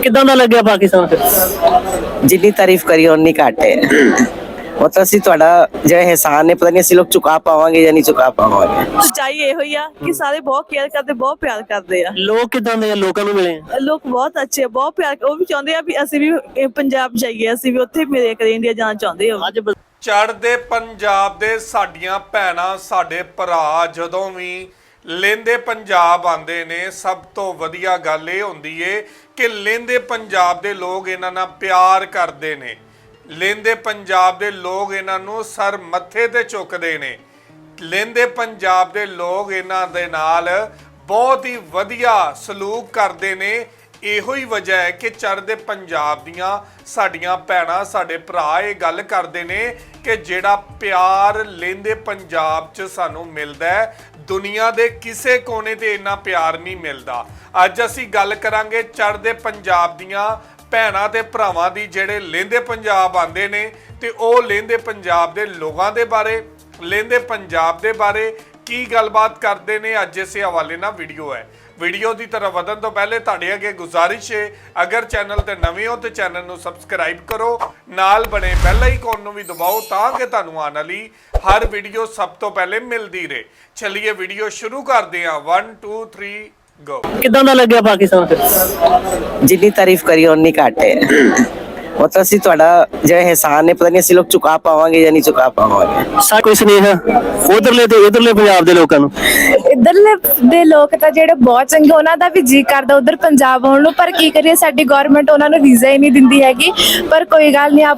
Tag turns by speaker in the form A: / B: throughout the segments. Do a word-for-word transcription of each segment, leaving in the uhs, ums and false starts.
A: ਕਿੱਦਾਂ ਦਾ ਲੱਗਿਆ ਪਾਕਿਸਤਾਨ ਫਿਰ?
B: ਜਿੰਨੀ ਤਾਰੀਫ ਕਰੀ ਉਨੀ ਘੱਟ ਹੈ। मतलब ਅਸੀਂ ਤੁਹਾਡਾ ਜਿਹੜਾ ਇਹਸਾਨ ਹੈ ਪਤਾ ਨਹੀਂ ਅਸੀਂ ਲੋਕ ਚੁਕਾ ਪਾਵਾਂਗੇ ਜਾਂ ਨਹੀਂ ਚੁਕਾ ਪਾਵਾਂਗੇ।
C: ਸੱਚਾਈ ਇਹੋ ਹੀ ਆ ਕਿ ਸਾਰੇ ਬਹੁਤ ਕੇਅਰ ਕਰਦੇ, ਬਹੁਤ ਪਿਆਰ ਕਰਦੇ ਆ।
A: ਲੋਕ ਕਿੱਦਾਂ ਦੇ ਆ? ਲੋਕਾਂ ਨੂੰ ਮਿਲੇ ਆ?
C: ਲੋਕ ਬਹੁਤ ਅੱਛੇ ਆ, ਬਹੁਤ ਪਿਆਰ, ਉਹ ਵੀ ਚਾਹੁੰਦੇ ਆ ਵੀ ਅਸੀਂ ਵੀ ਇਹ ਪੰਜਾਬ ਜਾਈਏ, ਅਸੀਂ ਵੀ ਉੱਥੇ ਮਿਲੇ ਕਦੇ, ਇੰਡੀਆ ਜਾਣਾ ਚਾਹੁੰਦੇ ਹੋ।
A: ਅੱਜ
D: ਚੜ੍ਹਦੇ ਪੰਜਾਬ ਦੇ ਸਾਡੀਆਂ ਭੈਣਾਂ ਸਾਡੇ ਭਰਾ ਜਦੋਂ ਵੀ ਲਹਿੰਦੇ ਪੰਜਾਬ ਆਉਂਦੇ ਨੇ, ਸਭ ਤੋਂ ਵਧੀਆ ਗੱਲ ਇਹ ਹੁੰਦੀ ਏ ਕਿ ਲਹਿੰਦੇ ਪੰਜਾਬ ਦੇ ਲੋਕ ਇਹਨਾਂ ਨਾਲ ਪਿਆਰ ਕਰਦੇ ਨੇ। ਲਹਿੰਦੇ ਪੰਜਾਬ ਦੇ ਲੋਕ ਇਹਨਾਂ ਨੂੰ ਸਰ ਮੱਥੇ ਤੇ ਚੁੱਕਦੇ ਨੇ। ਲਹਿੰਦੇ ਪੰਜਾਬ ਦੇ ਲੋਕ ਇਹਨਾਂ ਦੇ ਨਾਲ ਬਹੁਤ ਹੀ ਵਧੀਆ ਸਲੂਕ ਕਰਦੇ ਨੇ। ਇਹੋ ਹੀ ਵਜ੍ਹਾ ਹੈ ਕਿ ਚੜ੍ਹਦੇ ਪੰਜਾਬ ਦੀਆਂ ਸਾਡੀਆਂ ਭੈਣਾਂ ਸਾਡੇ ਭਰਾ ਇਹ ਗੱਲ ਕਰਦੇ ਨੇ ਕਿ ਜਿਹੜਾ ਪਿਆਰ ਲਹਿੰਦੇ ਪੰਜਾਬ 'ਚ ਸਾਨੂੰ ਮਿਲਦਾ ਹੈ, ਦੁਨੀਆ ਦੇ ਕਿਸੇ ਕੋਨੇ ਤੇ ਇੰਨਾ ਪਿਆਰ ਨਹੀਂ ਮਿਲਦਾ। ਅੱਜ ਅਸੀਂ ਗੱਲ ਕਰਾਂਗੇ ਚੜ੍ਹਦੇ ਪੰਜਾਬ ਦੀਆਂ ਭੈਣਾਂ ਤੇ ਭਰਾਵਾਂ ਦੀ ਜਿਹੜੇ ਲਹਿੰਦੇ ਪੰਜਾਬ ਆਉਂਦੇ ਨੇ, ਤੇ ਉਹ ਲਹਿੰਦੇ ਪੰਜਾਬ ਦੇ ਲੋਕਾਂ ਦੇ ਬਾਰੇ, ਲਹਿੰਦੇ ਪੰਜਾਬ ਦੇ ਬਾਰੇ ਕੀ ਗੱਲਬਾਤ ਕਰਦੇ ਨੇ। ਅੱਜ ਇਸੇ ਹਵਾਲੇ ਨਾਲ ਵੀਡੀਓ ਹੈ। ਵੀਡੀਓ ਦੀ ਤਰਫ ਵਧਣ ਤੋਂ ਪਹਿਲੇ ਤੁਹਾਡੇ ਅੱਗੇ ਗੁਜ਼ਾਰਿਸ਼ ਹੈ, ਅਗਰ ਚੈਨਲ ਤੇ ਨਵੇਂ ਹੋ ਤੇ ਚੈਨਲ ਨੂੰ ਸਬਸਕ੍ਰਾਈਬ ਕਰੋ, ਨਾਲ ਬਣੇ ਬੈਲ ਆਈਕਨ ਨੂੰ ਵੀ ਦਬਾਓ ਤਾਂ ਕਿ ਤੁਹਾਨੂੰ ਆਉਣ ਵਾਲੀ ਹਰ ਵੀਡੀਓ ਸਭ ਤੋਂ ਪਹਿਲੇ ਮਿਲਦੀ ਰਹੇ। ਚਲਿਏ ਵੀਡੀਓ ਸ਼ੁਰੂ ਕਰਦੇ ਹਾਂ। One two three go.
A: ਕਿੱਦਾਂ ਦਾ ਲੱਗਿਆ ਪਾਕਿਸਤਾਨ ਫਿਰ?
B: ਜਿੰਨੀ ਤਾਰੀਫ ਕਰੀ ਉਨੀ ਘੱਟ ਹੈ। मतलब ਅਸੀਂ ਤੁਹਾਡਾ ਜਿਹੜਾ ਇਹਸਾਨ ਹੈ ਪਤਾ ਨਹੀਂ ਅਸੀਂ ਲੋਕ ਚੁਕਾ ਪਾਵਾਂਗੇ ਜਾਂ ਨਹੀਂ ਚੁਕਾ ਪਾਵਾਂਗੇ।
A: ਸਾ ਕੋਈ ਸੁਨੇਹਾ ਉਧਰਲੇ ਤੇ ਇਧਰਲੇ ਪੰਜਾਬ ਦੇ ਲੋਕਾਂ ਨੂੰ?
E: ਇੱਧਰਲੇ ਦੇ ਲੋਕ ਤਾਂ ਜਿਹੜੇ ਬਹੁਤ ਚੰਗੇ, ਉਹਨਾਂ ਦਾ ਵੀ ਜੀ ਕਰਦਾ ਉਧਰ ਪੰਜਾਬ ਆਉਣ ਨੂੰ, ਪਰ ਕੀ ਕਰੀਏ ਸਾਡੀ ਗਵਰਨਮੈਂਟ ਉਹਨਾਂ ਨੂੰ ਵੀਜ਼ਾ ਹੀ ਨਹੀਂ ਦਿੰਦੀ ਹੈਗੀ। ਪਰ ਕੋਈ ਗੱਲ ਨਹੀਂ, ਆਪ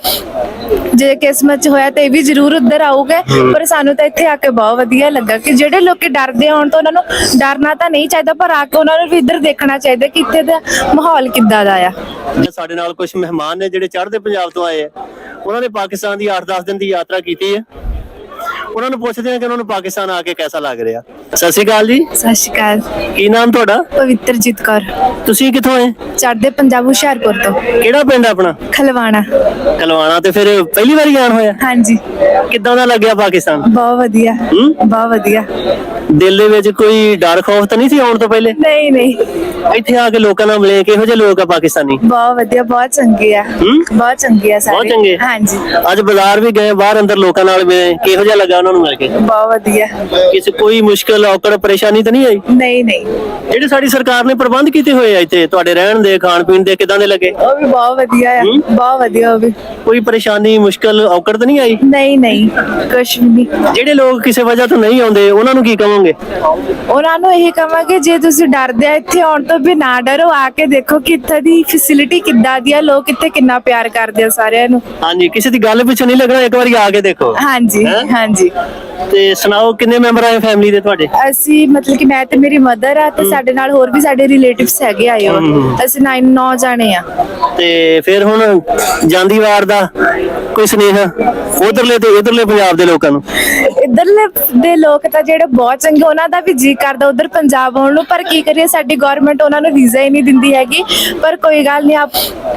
E: ਜੇ ਕਿਸਮਤ 'ਚ ਹੋਇਆ ਤਾਂ ਇਹ ਵੀ ਜ਼ਰੂਰ ਉੱਧਰ ਆਊਗੇ। ਪਰ ਸਾਨੂੰ ਤਾਂ ਇੱਥੇ ਆ ਕੇ ਬਹੁਤ ਵਧੀਆ ਲੱਗਾ ਕਿ ਜਿਹੜੇ ਲੋਕੀ ਡਰਦੇ ਆਉਣ ਤੋਂ, ਉਹਨਾਂ ਨੂੰ ਡਰਨਾ ਤਾਂ ਨਹੀਂ ਚਾਹੀਦਾ, ਪਰ ਆ ਕੇ ਉਹਨਾਂ ਨੂੰ ਵੀ ਇੱਧਰ ਦੇਖਣਾ ਚਾਹੀਦਾ ਕਿ ਇੱਥੇ ਦਾ ਮਾਹੌਲ ਕਿੱਦਾਂ ਦਾ ਆ।
A: ਸਾਡੇ ਨਾਲ ਕੁਝ ਮਹਿਮਾਨ ਨੇ ਜਿਹੜੇ ਚੜ੍ਹਦੇ ਪੰਜਾਬ ਤੋਂ ਆਏ ਆ, ਉਹਨਾਂ ਨੇ ਪਾਕਿਸਤਾਨ ਦੀ ਅੱਠ ਦਸ ਦਿਨ ਦੀ ਯਾਤਰਾ ਕੀਤੀ ਹੈ। ਉਹਨਾਂ ਨੂੰ ਪੁੱਛਦੇ ਆ ਕਿ ਉਹਨਾਂ ਨੂੰ ਪਾਕਿਸਤਾਨ ਆ ਕੇ ਕਿਹਦਾ ਲੱਗ ਰਿਹਾ। ਸਤਿ ਸ਼੍ਰੀ ਅਕਾਲ ਜੀ।
E: ਸਤਿ ਸ਼੍ਰੀ ਅਕਾਲ।
A: ਕੀ ਨਾਮ ਤੁਹਾਡਾ?
E: ਪਵਿੱਤਰਜੀਤ ਕੌਰ।
A: ਤੁਸੀਂ ਕਿੱਥੋਂ ਆਏ?
E: ਚੜ੍ਹਦੇ ਪੰਜਾਬ ਹੁਸ਼ਿਆਰਪੁਰ ਤੋਂ।
A: ਕਿਹੜਾ ਪਿੰਡ ਆਪਣਾ?
E: ਖਲਵਾਣਾ।
A: ਕਲਵਾਣਾ। ਤੇ ਫਿਰ ਪਹਿਲੀ ਵਾਰੀ ਆਣ ਹੋਇਆ?
E: ਹਾਂਜੀ।
A: ਕਿੱਦਾਂ ਦਾ ਲੱਗਿਆ ਪਾਕਿਸਤਾਨ?
E: ਬਹੁਤ ਵਧੀਆ, ਬਹੁਤ ਵਧੀਆ।
A: ਦਿਲ ਦੇ ਵਿੱਚ ਕੋਈ ਡਰ ਖੌਫ ਤਾਂ ਨਹੀਂ ਸੀ ਆਉਣ ਤੋਂ ਪਹਿਲੇ?
E: ਨਹੀਂ ਨਹੀਂ,
A: ਇੱਥੇ ਆ ਕੇ ਲੋਕਾਂ ਨਾਲ ਮਿਲੇ, ਕਿਹੋ ਜਿਹੇ ਲੋਕ ਆ ਪਾਕਿਸਤਾਨੀ?
E: ਬਹੁਤ ਵਧੀਆ, ਬਹੁਤ ਚੰਗੇ ਆ, ਬਹੁਤ ਚੰਗੇ ਆ ਸਾਰੇ।
A: ਬਹੁਤ ਚੰਗੇ।
E: ਹਾਂਜੀ।
A: ਅੱਜ ਬਾਜ਼ਾਰ ਵੀ ਗਏ, ਬਾਹਰ ਅੰਦਰ ਲੋਕਾਂ ਨਾਲ ਮਿਲੇ, ਕਿਹੋ ਜਿਹਾ ਲੱਗਾ ਉਹਨਾਂ ਨੂੰ ਮਿਲ ਕੇ?
E: ਬਹੁਤ ਵਧੀਆ।
A: ਕਿਸੇ ਕੋਈ ਮੁਸ਼ਕਲ ਔਕੜ ਪਰੇਸ਼ਾਨੀ ਤਾਂ ਨਹੀਂ ਆਈ?
E: ਨਹੀਂ ਨਹੀਂ।
A: ਜਿਹੜੇ ਸਾਡੀ ਸਰਕਾਰ ਨੇ ਪ੍ਰਬੰਧ ਕੀਤੇ ਹੋਏ ਆ ਇੱਥੇ ਤੁਹਾਡੇ ਰਹਿਣ ਦੇ, ਖਾਣ ਪੀਣ ਦੇ, ਕਿਦਾਂ ਦੇ ਲੱਗੇ?
E: ਉਹ ਵੀ ਬਹੁਤ ਵਧੀਆ ਆ, ਬਹੁਤ ਵਧੀਆ। ਉਹ ਵੀ
A: ਕੋਈ ਪਰੇਸ਼ਾਨੀ ਮੁਸ਼ਕਲ ਔਕੜ ਤਾਂ ਨਹੀਂ ਆਈ?
E: ਨਹੀਂ ਨਹੀਂ, ਕੁਛ ਵੀ ਨਹੀਂ।
A: ਜਿਹੜੇ ਲੋਕ ਕਿਸੇ ਵਜ੍ਹਾ ਤੋਂ ਨਹੀਂ ਆਉਂਦੇ ਉਹਨਾਂ ਨੂੰ ਕੀ ਕਹੋਗੇ?
E: ਉਹਨਾਂ ਨੂੰ ਇਹ ਕਹਾਂਗੇ ਜੇ ਤੁਸੀਂ ਡਰਦੇ ਆ ਇੱਥੇ ਆਉਣ ਤੋਂ ਵੀ ਨਾ ਡਰੋ, ਆ ਕੇ ਦੇਖੋ ਕਿ ਇੱਥੇ ਦੀ ਫੈਸਿਲਿਟੀ ਕਿੱਦਾਂ ਦੀ ਆ, ਲੋਕ ਇੱਥੇ ਕਿੰਨਾ ਪਿਆਰ ਕਰਦੇ ਆ ਸਾਰਿਆਂ ਨੂੰ।
A: ਹਾਂਜੀ, ਕਿਸੇ ਦੀ ਗੱਲ ਪਿੱਛੇ ਨਹੀਂ ਲੱਗਣਾ, ਇੱਕ ਵਾਰੀ ਆ ਕੇ ਦੇਖੋ।
E: ਹਾਂਜੀ ਹਾਂਜੀ।
A: ਤੇ ਸੁਣਾਓ, ਕਿੰਨੇ ਮੈਂਬਰ ਆਏ ਫੈਮਿਲੀ ਦੇ ਤੁਹਾਡੇ?
E: ਅਸੀਂ ਮਤਲਬ ਕਿ ਮੈਂ ਤੇ ਮੇਰੀ ਮਦਰ ਆ, ਤੇ ਸਾਡੇ ਨਾਲ ਹੋਰ ਵੀ ਸਾਡੇ ਰਿਲੇਟਿਵਸ ਹੈਗੇ ਆਏ ਹੋ। ਅਸੀਂ ਨੌ ਨੌ ਜਾਣੇ ਆ।
A: ਤੇ ਫਿਰ ਹੁਣ ਜਾਂਦੀ ਵਾਰ ਦਾ ਕੋਈ ਸੁਨੇਹਾ ਉਧਰਲੇ ਤੇ ਇਧਰਲੇ ਪੰਜਾਬ ਦੇ ਲੋਕਾਂ ਨੂੰ?
E: ਇੱਧਰਲੇ ਦੇ ਲੋਕ ਤਾਂ ਜਿਹੜੇ ਬਹੁਤ ਚੰਗੇ, ਉਹਨਾਂ ਦਾ ਵੀ ਜੀ ਕਰਦਾ ਉਧਰ ਪੰਜਾਬ ਆਉਣ ਨੂੰ, ਪਰ ਕੀ ਕਰੀਏ ਸਾਡੀ ਗਵਰਨਮੈਂਟ ਉਹਨਾਂ ਨੂੰ ਵੀਜ਼ਾ ਹੀ ਨਹੀਂ ਦਿੰਦੀ ਹੈਗੀ। ਪਰ ਕੋਈ ਗੱਲ ਨਹੀਂ, ਆਪ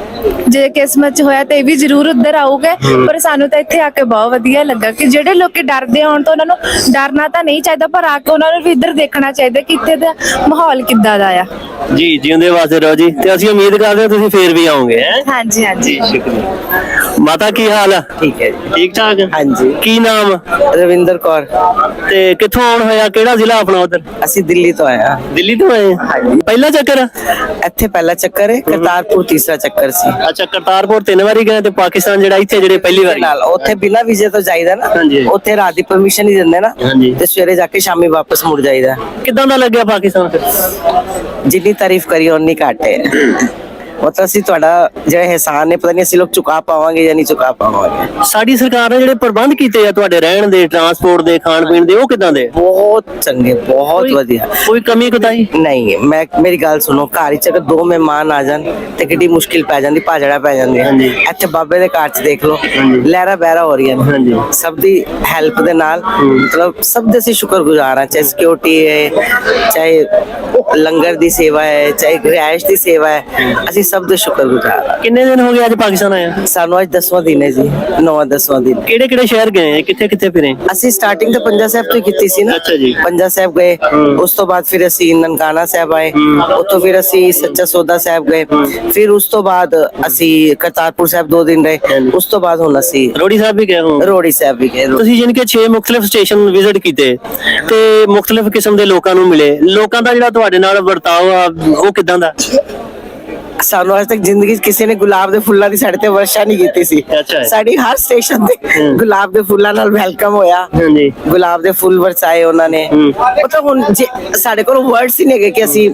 E: ਜੇ ਕਿਸਮਤ 'ਚ ਹੋਇਆ ਤਾਂ ਇਹ ਵੀ ਜ਼ਰੂਰ ਉੱਧਰ ਆਊਗੇ। ਪਰ ਸਾਨੂੰ ਤਾਂ ਇੱਥੇ ਆ ਕੇ ਬਹੁਤ ਵਧੀਆ ਲੱਗਾ ਕਿ ਜਿਹੜੇ ਲੋਕੀ ਡਰਦੇ ਆਉਣ ਤੋਂ, ਉਹਨਾਂ ਨੂੰ ਡਰਨਾ ਤਾਂ ਨਹੀਂ ਚਾਹੀਦਾ, ਪਰ ਆ ਕੇ ਉਹਨਾਂ ਨੂੰ ਵੀ ਇੱਧਰ ਦੇਖਣਾ ਚਾਹੀਦਾ ਕਿ ਇੱਥੇ ਦਾ ਮਾਹੌਲ ਕਿੱਦਾਂ ਦਾ ਆ।
A: ਜੀ ਜਿਉਂਦੇ ਵਾਸਤੇ ਰਹੋ ਜੀ, ਤੇ ਅਸੀਂ ਉਮੀਦ ਕਰਦੇ ਹਾਂ ਤੁਸੀਂ ਫੇਰ ਵੀ ਆਓਗੇ।
E: ਹਾਂਜੀ ਹਾਂਜੀ।
A: ਸ਼ੁਕਰੀਆ। ਮਾਤਾ ਕੀ ਹਾਲ ਆ?
B: ਠੀਕ ਹੈ ਜੀ।
A: ਠੀਕ ਠਾਕ?
B: ਹਾਂਜੀ।
A: ਕੀ ਨਾਮ?
B: ਰਵਿੰਦਰ ਕੌਰ।
A: ਤੇ ਕਿੱਥੋਂ ਆਉਣ ਹੋਇਆ? ਕਿਹੜਾ ਜ਼ਿਲ੍ਹਾ ਆਪਣਾ ਉਧਰ?
B: ਅਸੀਂ ਦਿੱਲੀ ਤੋਂ ਆਏ ਹਾਂ।
A: ਦਿੱਲੀ ਤੋਂ ਆਏ? ਪਹਿਲਾ ਚੱਕਰ?
B: ਇੱਥੇ ਪਹਿਲਾ ਚੱਕਰ ਹੈ, ਕਰਤਾਰਪੁਰ ਤੀਸਰਾ ਚੱਕਰ ਸੀ।
A: ਅੱਛਾ, ਕਰਤਾਰਪੁਰ ਤਿੰਨ ਵਾਰੀ ਗਏ, ਤੇ ਪਾਕਿਸਤਾਨ ਜਿਹੜਾ ਇੱਥੇ ਜਿਹੜੇ ਪਹਿਲੀ ਵਾਰੀ?
B: ਨਾਲ ਉੱਥੇ ਬਿਨਾਂ ਵੀਜ਼ੇ ਤੋਂ ਜਾਈਦਾ ਨਾ।
A: ਹਾਂਜੀ।
B: ਉੱਥੇ ਰਾਤ ਦੀ ਪਰਮਿਸ਼ਨ ਹੀ ਦਿੰਦੇ ਨਾ,
A: ਹਾਂਜੀ।
B: ਤੇ ਸਵੇਰੇ ਜਾ ਕੇ ਸ਼ਾਮੀ ਵਾਪਸ ਮੁੜ ਜਾਈਦਾ।
A: ਕਿੱਦਾਂ ਦਾ ਲੱਗਿਆ ਪਾਕਿਸਤਾਨ ਫਿਰ?
B: ਜਿੰਨੀ ਤਾਰੀਫ ਕਰੀ ਉਨੀ ਘੱਟ ਹੈ। मतलब ਅਸੀਂ ਤੁਹਾਡਾ ਜਿਹੜਾ ਇਹਸਾਨ ਹੈ ਪਤਾ ਨਹੀਂ ਅਸੀਂ ਲੋਕ ਚੁਕਾ ਪਾਵਾਂਗੇ ਜਾਂ ਨਹੀਂ ਚੁਕਾ ਪਾਵਾਂਗੇ।
A: ਸਾਡੀ ਸਰਕਾਰ ਨੇ ਜਿਹੜੇ ਪ੍ਰਬੰਧ ਕੀਤੇ ਆ ਤੁਹਾਡੇ ਰਹਿਣ ਦੇ, ਟਰਾਂਸਪੋਰਟ ਦੇ, ਖਾਣ ਪੀਣ ਦੇ, ਉਹ ਕਿਦਾਂ ਦੇ?
B: ਬਹੁਤ ਚੰਗੇ, ਬਹੁਤ ਵਧੀਆ।
A: ਕੋਈ ਕਮੀ ਕੁਤਾਈ
B: ਨਹੀਂ। ਮੈਂ ਮੇਰੀ ਗੱਲ ਸੁਣੋ, ਘਰ ਵਿੱਚ ਅਗਰ ਦੋ ਮਹਿਮਾਨ ਆ ਜਾਣ ਤੇ ਕਿੰਨੀ ਮੁਸ਼ਕਿਲ ਪੈ ਜਾਂਦੀ, ਭਾਜੜਾ ਪੈ ਜਾਂਦੀ। ਇੱਥੇ ਬਾਬੇ ਦੇ ਘਰ 'ਚ ਦੇਖ ਲਓ, ਲਹਿਰਾ ਬਹਿਰਾ ਹੋ ਰਹੀਆਂ ਨੇ। ਸਭ ਦੀ ਹੈਲਪ ਦੇ ਨਾਲ, ਮਤਲਬ ਸਭ ਦੇ ਅਸੀਂ ਸ਼ੁਕਰਗੁਜ਼ਾਰ ਹਾਂ। ਚਾਹੇ ਸਿਕਿਉਰਿਟੀ ਹੈ, ਚਾਹੇ ਲੰਗਰ ਦੀ ਸੇਵਾ ਹੈ, ਚਾਹੇ ਰਿਹਾਇਸ਼ ਦੀ ਸੇਵਾ ਹੈ, ਅਸੀਂ ਸਭ ਦੇ ਸ਼ੁਕਰਗੁਜ਼ਾਰ ਹਾਂ।
A: ਕਿੰਨੇ ਦਿਨ ਹੋ ਗਏ ਅੱਜ ਪਾਕਿਸਤਾਨ ਆਇਆ?
B: ਸਾਨੂੰ ਅੱਜ ਦਸਵਾਂ ਦਿਨ ਹੈ ਜੀ, ਨੌਵਾਂ ਦਸਵਾਂ ਦਿਨ।
A: ਕਿਹੜੇ ਕਿਹੜੇ ਸ਼ਹਿਰ ਗਏ, ਕਿੱਥੇ ਕਿੱਥੇ ਫਿਰੇ?
B: ਅਸੀਂ ਸਟਾਰਟਿੰਗ ਤਾਂ ਪੰਜਾ ਸਾਹਿਬ ਤੋਂ ਹੀ ਕੀਤੀ ਸੀ ਨਾ।
A: ਅੱਛਾ ਜੀ।
B: ਪੰਜਾ ਸਾਹਿਬ ਗਏ, ਉਸ ਤੋਂ ਬਾਅਦ ਫਿਰ ਅਸੀਂ ਨਨਕਾਣਾ ਸਾਹਿਬ ਆਏ, ਉੱਥੋਂ ਫਿਰ ਅਸੀਂ ਸੱਚਾ ਸੌਦਾ ਸਾਹਿਬ ਗਏ, ਫਿਰ ਉਸ ਤੋਂ ਬਾਅਦ ਅਸੀਂ ਕਰਤਾਰਪੁਰ ਸਾਹਿਬ ਦੋ ਦਿਨ ਰਹੇ, ਉਸ ਤੋਂ ਬਾਅਦ ਹੁਣ ਅਸੀਂ
A: ਰੋੜੀ ਸਾਹਿਬ ਵੀ ਗਏ ਹੋ?
B: ਰੋੜੀ ਸਾਹਿਬ ਵੀ ਗਏ।
A: ਤੁਸੀਂ ਜਿਨ ਕੇ ਛੇ ਮੁxtਲਿਫ ਸਟੇਸ਼ਨ ਵਿਜ਼ਿਟ ਕੀਤੇ ਤੇ ਮੁxtਲਿਫ ਕਿਸਮ ਦੇ ਲੋਕਾਂ ਨੂੰ ਮਿਲੇ, ਲੋਕਾਂ ਦਾ ਜਿਹੜਾ ਤੁਹਾਡੇ ਨਾਲ ਵਰਤਾਓ ਆ ਉਹ ਕਿਦਾਂ ਦਾ?
B: ਸਾਨੂੰ ਅੱਜ ਤੱਕ ਜ਼ਿੰਦਗੀ 'ਚ ਕਿਸੇ ਨੇ ਗੁਲਾਬ ਦੇ ਫੁੱਲਾਂ ਦੀ ਸਾਡੇ ਤੇ ਵਰਸ਼ਾ ਨਹੀਂ ਕੀਤੀ ਸੀ।
A: ਅੱਛਾ।
B: ਸਾਡੀ ਹਰ ਸਟੇਸ਼ਨ ਤੇ ਗੁਲਾਬ ਦੇ ਫੁੱਲਾਂ ਨਾਲ ਵੈਲਕਮ ਹੋਇਆ,
A: ਹਾਂਜੀ।
B: ਗੁਲਾਬ ਦੇ ਫੁੱਲ ਵਰਸਾਏ ਉਹਨਾਂ ਨੇ। ਮਤਲਬ ਹੁਣ ਜੇ ਸਾਡੇ ਕੋਲ ਵਰਡਸ ਹੀ ਨਹੀਂ ਹੈਗੇ ਕਿ ਅਸੀਂ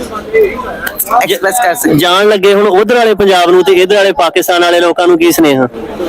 B: ਐਕਸਪ੍ਰੈਸ ਕਰ ਸਕੀਏ।
A: ਜਾਣ ਲੱਗੇ ਹੁਣ ਉਧਰ ਵਾਲੇ ਪੰਜਾਬ ਨੂੰ ਤੇ ਇਧਰ ਵਾਲੇ ਪਾਕਿਸਤਾਨ ਵਾਲੇ ਲੋਕਾਂ ਨੂੰ ਕੀ ਸੁਨੇਹਾ?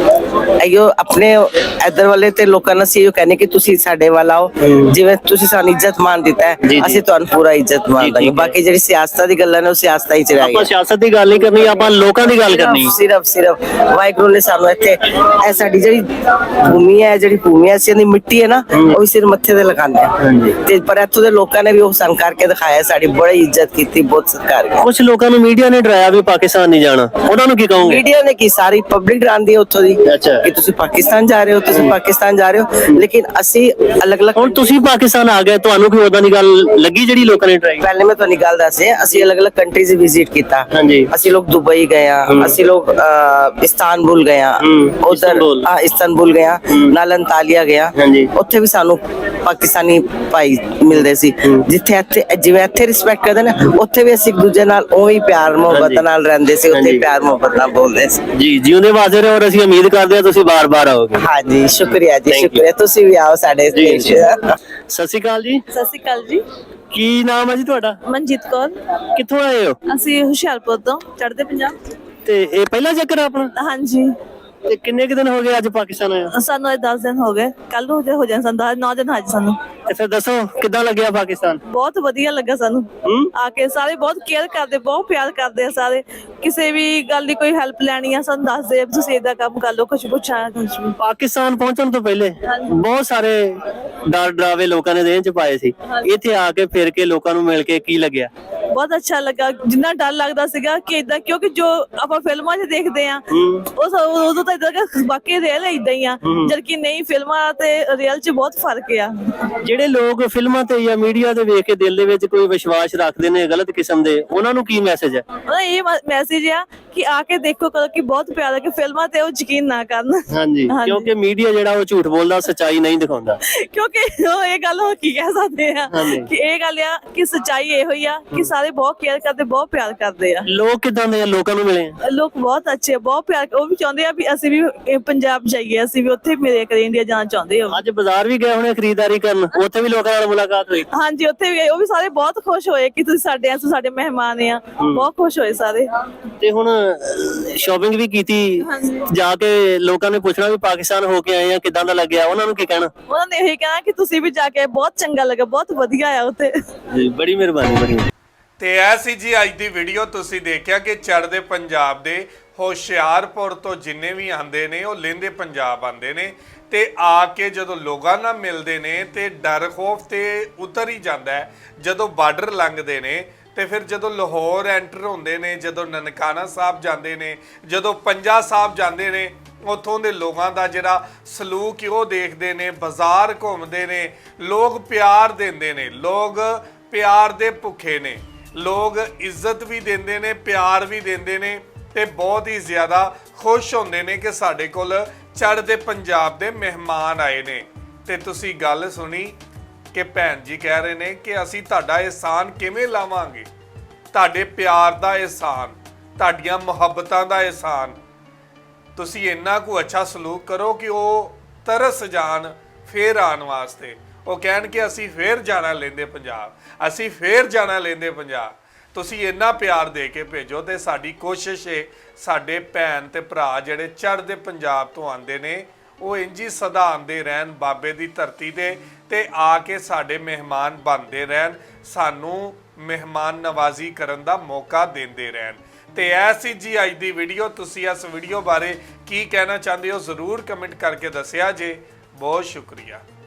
B: ਅਯੋ ਆਪਣੇ ਇੱਧਰ ਵਾਲੇ ਤੇ ਲੋਕਾਂ ਨੂੰ ਅਸੀਂ ਇਹ ਕਹਿੰਦੇ ਕਿ ਤੁਸੀਂ ਸਾਡੇ ਵੱਲ ਆਓ, ਜਿਵੇਂ ਤੁਸੀਂ ਸਾਨੂੰ ਇੱਜ਼ਤ ਮਾਨ ਦਿੱਤਾ ਹੈ,
A: ਜੀ, ਜੀ।
B: ਅਸੀਂ ਤੁਹਾਨੂੰ ਪੂਰਾ ਇੱਜ਼ਤ ਮਾਨ
A: ਠੀਕ
B: ਦਾਂਗੇ।
A: ਹੈ।
B: ਬਾਕੀ ਜਿਹੜੀ ਸਿਆਸਤ ਦੀ ਗੱਲਾਂ ਨੇ ਉਹ ਸਿਆਸਤ ਹੀ ਚ ਰਹਿ
A: ਆਪਾਂ
B: ਗਈਆਂ।
A: ਸਿਆਸਤ ਦੀ ਗੱਲ ਨਹੀਂ ਕਰਨੀ, ਆਪਾਂ ਲੋਕਾਂ ਦੀ ਗੱਲ ਕਰਨੀ।
B: ਸਿਰਫ ਸਿਰਫ ਵਾਹਿਗੁਰੂ ਨੇ ਸਾਨੂੰ ਇੱਥੇ ਇਹ ਸਾਡੀ ਜਿਹੜੀ ਭੂਮੀ ਹੈ, ਜਿਹੜੀ ਭੂਮੀ ਹੈ, ਅਸੀਂ ਦੀ ਮਿੱਟੀ ਹੈ ਨਾ, ਉਹ ਵੀ ਸਿਰ ਮੱਥੇ ਤੇ ਲਗਾਉਂਦੇ ਹਾਂ ਤੇ ਪਰ ਇੱਥੋਂ ਦੇ ਲੋਕਾਂ ਨੇ ਵੀ ਉਹ ਸੰਗ ਕਰਕੇ ਦਿਖਾਇਆ, ਸਾਡੀ ਬੜੀ ਇੱਜ਼ਤ ਕੀਤੀ, ਬਹੁਤ ਸਤਿਕਾਰ ਕੀਤਾ।
A: ਕੁਝ ਲੋਕਾਂ ਨੂੰ ਮੀਡੀਆ ਨੇ ਡਰਾਇਆ ਵੀ ਪਾਕਿਸਤਾਨ ਨਹੀਂ ਜਾਣਾ, ਉਹਨਾਂ ਨੂੰ ਕੀ ਕਹੋਗੇ?
B: ਮੀਡੀਆ ਨੇ ਕੀ ਸਾਰੀ ਪਬਲਿਕ ਡਰਾਉਂਦੀ ਹੈ ਉੱਥੋਂ ਦੀ
A: ਅੱਛਾ।
B: ਕਿ ਤੁਸੀਂ ਪਾਕਿਸਤਾਨ ਜਾ ਰਹੇ ਹੋ, ਤੁਸੀਂ ਪਾਕਿਸਤਾਨ ਜਾ ਰਹੇ ਹੋ, ਲੇਕਿਨ ਅਸੀਂ ਅਲੱਗ-ਅਲੱਗ।
A: ਹੁਣ ਤੁਸੀਂ ਪਾਕਿਸਤਾਨ ਆ ਗਏ, ਤੁਹਾਨੂੰ ਕੋਈ ਉਦਾਂ ਦੀ ਗੱਲ ਲੱਗੀ ਜਿਹੜੀ ਲੋਕਾਂ ਨੇ ਡਰਾਈ?
B: ਪਹਿਲੇ ਮੈਂ ਤੁਹਾਨੂੰ ਗੱਲ ਦੱਸ ਰਿਹਾ, ਅਸੀਂ ਅਲੱਗ-ਅਲੱਗ ਕੰਟਰੀਜ਼ ਵਿਜ਼ਿਟ ਕੀਤਾ।
A: ਹਾਂਜੀ।
B: ਅਸੀਂ ਲੋਕ ਦੁਬਈ ਗਏ ਆ, ਅਸੀਂ ਲੋਕ ਅਹ, ਇਸਤਾਨਬੁਲ ਗਏ ਆ, ਉਧਰ
A: ਇਸਤਾਨਬੁਲ।
B: ਹਾਂ ਇਸਤਾਨਬੁਲ ਗਏ ਆ, ਨਾਲ ਅੰਤਾਲੀਆ ਗਿਆ।
A: ਹਾਂਜੀ।
B: ਉੱਥੇ ਵੀ ਸਾਨੂੰ ਪਾਕਿਸਤਾਨੀ ਭਾਈ ਮਿਲਦੇ ਸੀ, ਜਿੱਥੇ ਇੱਥੇ ਜਿਵੇਂ ਇੱਥੇ ਰਿਸਪੈਕਟ ਕਰਦੇ ਨੇ, ਉੱਥੇ ਵੀ ਅਸੀਂ ਇੱਕ ਦੂਜੇ ਨਾਲ ਉਹੀ ਪਿਆਰ ਮੁਹੱਬਤ ਨਾਲ ਰਹਿੰਦੇ ਸੀ, ਉੱਥੇ
A: ਹਾਂਜੀ।
B: ਪਿਆਰ ਮੁਹੱਬਤ ਨਾਲ ਬੋਲਦੇ ਸੀ।
A: ਜੀ ਜਿਉਂਦੇ ਵਾਜ਼ੇ ਰਹੋ, ਔਰ ਅਸੀਂ ਉਮੀਦ ਕਰਦੇ ਹਾਂ ਤੁਸੀਂ ਬਾਰ-ਬਾਰ ਆਓਗੇ।
B: ਹਾਂਜੀ, ਸ਼ੁਕਰੀਆ ਜੀ,
A: Thank you.
B: ਸ਼ੁਕਰੀਆ। ਤੁਸੀਂ ਵੀ ਆਓ ਸਾਡੇ
A: ਜੀ,
B: ਦੇਸ਼।
A: ਜੀ। ਸਤਿ ਸ਼੍ਰੀ ਅਕਾਲ ਜੀ,
C: ਸਤਿ ਸ਼੍ਰੀ ਅਕਾਲ ਜੀ।
A: ਕੀ ਨਾਮ ਹੈ ਜੀ ਤੁਹਾਡਾ?
C: ਮਨਜੀਤ ਕੌਰ।
A: ਕਿੱਥੋਂ ਆਏ ਹੋ?
C: ਅਸੀਂ ਹੁਸ਼ਿਆਰਪੁਰ ਤੋਂ, ਚੜ੍ਹਦੇ ਪੰਜਾਬ।
A: ਤੇ ਇਹ ਪਹਿਲਾ ਚੱਕਰ ਆ ਆਪਣਾ?
C: ਹਾਂਜੀ।
A: ਤੇ ਕਿੰਨੇ ਕੁ ਦਿਨ ਹੋ ਗਏ ਅੱਜ ਪਾਕਿਸਤਾਨ ਆਇਆ?
C: ਸਾਨੂੰ ਅੱਜ ਦਸ ਦਿਨ ਹੋ ਗਏ, ਕੱਲ ਨੂੰ ਹੋ ਜਾਣ ਸਾਨੂੰ ਦਸ ਨੌ ਦਿਨ ਅੱਜ ਸਾਨੂੰ।
A: ਤੇ ਫਿਰ ਦੱਸੋ ਕਿੱਦਾਂ ਲੱਗਿਆ ਪਾਕਿਸਤਾਨ?
C: ਬਹੁਤ ਵਧੀਆ ਲੱਗਾ ਸਾਨੂੰ
A: ਹੂੰ?
C: ਆ ਕੇ। ਸਾਰੇ ਬਹੁਤ ਕੇਅਰ ਕਰਦੇ, ਬਹੁਤ ਪਿਆਰ ਕਰਦੇ ਆ ਸਾਰੇ। ਕਿਸੇ ਵੀ ਗੱਲ ਦੀ ਕੋਈ ਹੈਲਪ ਲੈਣੀ ਆ ਸਾਨੂੰ ਦੱਸਦੇ ਆ, ਤੁਸੀਂ ਏਦਾਂ ਕੰਮ ਕਰ ਲਓ, ਕੁਝ ਪੁੱਛਾਂ ਕੁਝ ਵੀ।
A: ਪਾਕਿਸਤਾਨ ਪਹੁੰਚਣ ਤੋਂ ਪਹਿਲੇ ਬਹੁਤ ਸਾਰੇ ਡਰ ਡਰਾਵੇ ਲੋਕਾਂ ਨੇ ਦੇਹ ਚ ਪਾਏ ਸੀ, ਇੱਥੇ ਆ ਕੇ ਫਿਰ ਕੇ ਲੋਕਾਂ ਨੂੰ ਮਿਲ ਕੇ ਕੀ ਲੱਗਿਆ?
C: ਬਹੁਤ ਅੱਛਾ ਲੱਗਾ। ਜਿੰਨਾ ਡਰ ਲੱਗਦਾ ਸੀਗਾ ਕਿ ਇਦਾਂ, ਕਿਉਂਕਿ ਜੋ ਆਪਾਂ ਫਿਲਮਾਂ 'ਚ ਦੇਖਦੇ ਆ ਉਹ ਸ- ਉਦੋਂ ਤਾਂ ਇਦਾਂ ਕਿ ਬਾਕੀ ਰੀਅਲ ਇਦਾਂ ਹੀ ਆ, ਜਦਕਿ ਨਹੀਂ, ਫਿਲਮਾਂ ਤੇ ਰੀਅਲ 'ਚ ਬਹੁਤ ਫਰਕ ਆ।
A: ਜਿਹੜੇ ਲੋਕ ਫਿਲਮਾਂ ਤੇ ਜਾਂ ਮੀਡੀਆ ਤੇ ਵੇਖ ਕੇ ਦਿਲ ਦੇ ਵਿੱਚ ਕੋਈ ਵਿਸ਼ਵਾਸ ਰੱਖਦੇ ਨੇ ਗਲਤ ਕਿਸਮ ਦੇ, ਉਹਨਾਂ ਨੂੰ ਕੀ ਮੈਸੇਜ ਹੈ?
C: ਉਹਦਾ ਇਹ ਮੈਸੇਜ ਆ ਕਿ ਆ ਕੇ ਦੇਖੋ ਕਦੋਂ ਕਿ ਬਹੁਤ ਪਿਆਰਾ, ਕਿ ਫਿਲਮਾਂ ਤੇ ਉਹ ਯਕੀਨ ਨਾ ਕਰਨ।
A: ਹਾਂਜੀ,
C: ਹਾਂਜੀ।
A: ਕਿਉਂਕਿ ਮੀਡੀਆ ਜਿਹੜਾ ਉਹ ਝੂਠ ਬੋਲਦਾ, ਸੱਚਾਈ ਨਹੀਂ ਦਿਖਾਉਂਦਾ।
C: ਕਿਉਂਕਿ ਉਹ ਇਹ ਗੱਲ ਹੋ ਕੀ ਕਹਿ ਸਕਦੇ ਆ
A: ਹਾਂਜੀ।
C: ਕਿ ਇਹ ਗੱਲ ਆ ਕਿ ਸੱਚਾਈ ਇਹੋ ਹੀ ਆ ਕਿ ਸਾਰੇ ਬਹੁਤ ਕੇਅਰ ਕਰਦੇ, ਬਹੁਤ ਪਿਆਰ ਕਰਦੇ ਆ।
A: ਲੋਕ ਕਿਦਾਂ ਦੇ ਆ? ਲੋਕਾਂ ਨੂੰ ਮਿਲੇ ਆ?
C: ਲੋਕ ਬਹੁਤ ਅੱਛੇ ਆ, ਬਹੁਤ ਪਿਆਰ, ਉਹ ਵੀ ਚਾਹੁੰਦੇ ਆ ਵੀ ਅਸੀਂ ਵੀ ਇਹ ਪੰਜਾਬ ਜਾਈਏ, ਅਸੀਂ ਵੀ ਉੱਥੇ ਮੇਰੇ ਕਰੇ ਇੰਡੀਆ ਜਾਣਾ ਚਾਹੁੰਦੇ ਹੋ।
A: ਅੱਜ ਬਾਜ਼ਾਰ ਵੀ ਗਏ ਹੋਣੇ ਖਰੀਦਦਾਰੀ ਕਰਨ, ਉੱਥੇ ਵੀ ਲੋਕਾਂ ਨਾਲ ਮੁਲਾਕਾਤ ਹੋਈ?
C: ਹਾਂਜੀ, ਉੱਥੇ ਵੀ ਗਏ, ਉਹ ਵੀ ਸਾਰੇ ਬਹੁਤ ਖੁਸ਼ ਹੋਏ ਕਿ ਤੁਸੀਂ ਸਾਡੇ ਆ, ਤੁਸੀਂ ਸਾਡੇ ਮਹਿਮਾਨ ਆ, ਬਹੁਤ ਖੁਸ਼ ਹੋਏ ਸਾਰੇ।
A: ਤੇ ਹੁਣ ਸ਼ਾਪਿੰਗ ਵੀ ਕੀਤੀ, ਜਾ ਕੇ ਲੋਕਾਂ ਨੇ ਪੁੱਛਣਾ ਵੀ ਪਾਕਿਸਤਾਨ ਹੋ ਕੇ ਆਏ ਆ, ਕਿਦਾਂ ਦਾ ਲੱਗਿਆ? ਉਹਨਾਂ ਨੂੰ ਕੀ ਕਹਿਣਾ?
C: ਉਹਨਾਂ ਨੇ ਇਹੀ ਕਹਿਣਾ ਕਿ ਤੁਸੀਂ ਵੀ ਜਾ ਕੇ, ਬਹੁਤ ਚੰਗਾ ਲੱਗਾ, ਬਹੁਤ ਵਧੀਆ ਆ ਉੱਥੇ।
A: ਜੀ ਬੜੀ ਮਿਹਰਬਾਨੀ, ਬੜੀ।
D: ਤੇ ਇਹ ਸੀ ਜੀ ਅੱਜ ਦੀ ਵੀਡੀਓ। ਤੁਸੀਂ ਦੇਖਿਆ ਕਿ ਚੜ੍ਹਦੇ ਪੰਜਾਬ ਦੇ ਹੁਸ਼ਿਆਰਪੁਰ ਤੋਂ ਜਿੰਨੇ ਵੀ ਆਉਂਦੇ ਨੇ ਉਹ ਲਹਿੰਦੇ ਪੰਜਾਬ ਆਉਂਦੇ ਨੇ, ਤੇ ਆ ਕੇ ਜਦੋਂ ਲੋਕਾਂ ਨਾਲ ਮਿਲਦੇ ਨੇ ਤੇ ਡਰ ਖੌਫ ਤੇ ਉਤਰ ਹੀ ਜਾਂਦਾ ਹੈ। ਜਦੋਂ ਬਾਰਡਰ ਲੰਘਦੇ ਨੇ ਤੇ ਫਿਰ ਜਦੋਂ ਲਾਹੌਰ ਐਂਟਰ ਹੁੰਦੇ ਨੇ, ਜਦੋਂ ਨਨਕਾਣਾ ਸਾਹਿਬ ਜਾਂਦੇ ਨੇ, ਜਦੋਂ ਪੰਜਾ ਸਾਹਿਬ ਜਾਂਦੇ ਨੇ, ਉੱਥੋਂ ਦੇ ਲੋਕਾਂ ਦਾ ਜਿਹੜਾ ਸਲੂਕ ਉਹ ਦੇਖਦੇ ਨੇ, ਬਾਜ਼ਾਰ ਘੁੰਮਦੇ ਨੇ, ਲੋਕ ਪਿਆਰ ਦਿੰਦੇ ਨੇ, ਲੋਕ ਪਿਆਰ ਦੇ ਭੁੱਖੇ ਨੇ, ਲੋਕ ਇੱਜ਼ਤ ਵੀ ਦਿੰਦੇ ਨੇ, ਪਿਆਰ ਵੀ ਦਿੰਦੇ ਨੇ, ਤੇ ਬਹੁਤ ਹੀ ਜ਼ਿਆਦਾ ਖੁਸ਼ ਹੁੰਦੇ ਨੇ ਕਿ ਸਾਡੇ ਕੋਲ ਚੜ੍ਹਦੇ ਪੰਜਾਬ ਦੇ ਮਹਿਮਾਨ ਆਏ ਨੇ। ਤੇ ਤੁਸੀਂ ਗੱਲ ਸੁਣੀ ਕਿ ਭੈਣ ਜੀ ਕਹਿ ਰਹੇ ਨੇ ਕਿ ਅਸੀਂ ਤੁਹਾਡਾ ਇਹਸਾਨ ਕਿਵੇਂ ਲਾਵਾਂਗੇ, ਤੁਹਾਡੇ ਪਿਆਰ ਦਾ ਇਹਸਾਨ, ਤੁਹਾਡੀਆਂ ਮੁਹੱਬਤਾਂ ਦਾ ਇਹਸਾਨ। ਤੁਸੀਂ ਇੰਨਾ ਕੁ ਅੱਛਾ ਸਲੂਕ ਕਰੋ ਕਿ ਉਹ ਤਰਸ ਜਾਣ ਫੇਰ ਆਉਣ ਵਾਸਤੇ, ਉਹ ਕਹਿਣ ਕਿ ਅਸੀਂ ਫੇਰ ਜਾਣਾ ਲਹਿੰਦੇ ਪੰਜਾਬ, ਅਸੀਂ ਫੇਰ ਜਾਣਾ ਲਹਿੰਦੇ ਪੰਜਾਬ। ਤੁਸੀਂ ਇੰਨਾ ਪਿਆਰ ਦੇ ਕੇ ਭੇਜੋ। ਤੇ ਸਾਡੀ ਕੋਸ਼ਿਸ਼ ਹੈ ਸਾਡੇ ਭੈਣ ਤੇ ਭਰਾ ਜਿਹੜੇ ਚੜ੍ਹਦੇ ਪੰਜਾਬ ਤੋਂ ਆਉਂਦੇ ਨੇ ਉਹ ਇੰਝ ਹੀ ਸਦਾ ਆਉਂਦੇ ਰਹਿਣ ਬਾਬੇ ਦੀ ਧਰਤੀ ਤੇ ਤੇ ਆ ਕੇ ਸਾਡੇ ਮਹਿਮਾਨ ਬਣਦੇ ਰਹਿਣ, ਸਾਨੂੰ ਮਹਿਮਾਨ ਨਵਾਜ਼ੀ ਕਰਨ ਦਾ ਮੌਕਾ ਦਿੰਦੇ ਰਹਿਣ। ਤੇ ਐਸੀ ਜੀ ਅੱਜ ਦੀ ਵੀਡੀਓ। ਤੁਸੀਂ ਇਸ ਵੀਡੀਓ ਬਾਰੇ ਕੀ ਕਹਿਣਾ ਚਾਹੁੰਦੇ ਹੋ ਜ਼ਰੂਰ ਕਮੈਂਟ ਕਰਕੇ ਦੱਸਿਆ ਜੇ। ਬਹੁਤ ਸ਼ੁਕਰੀਆ।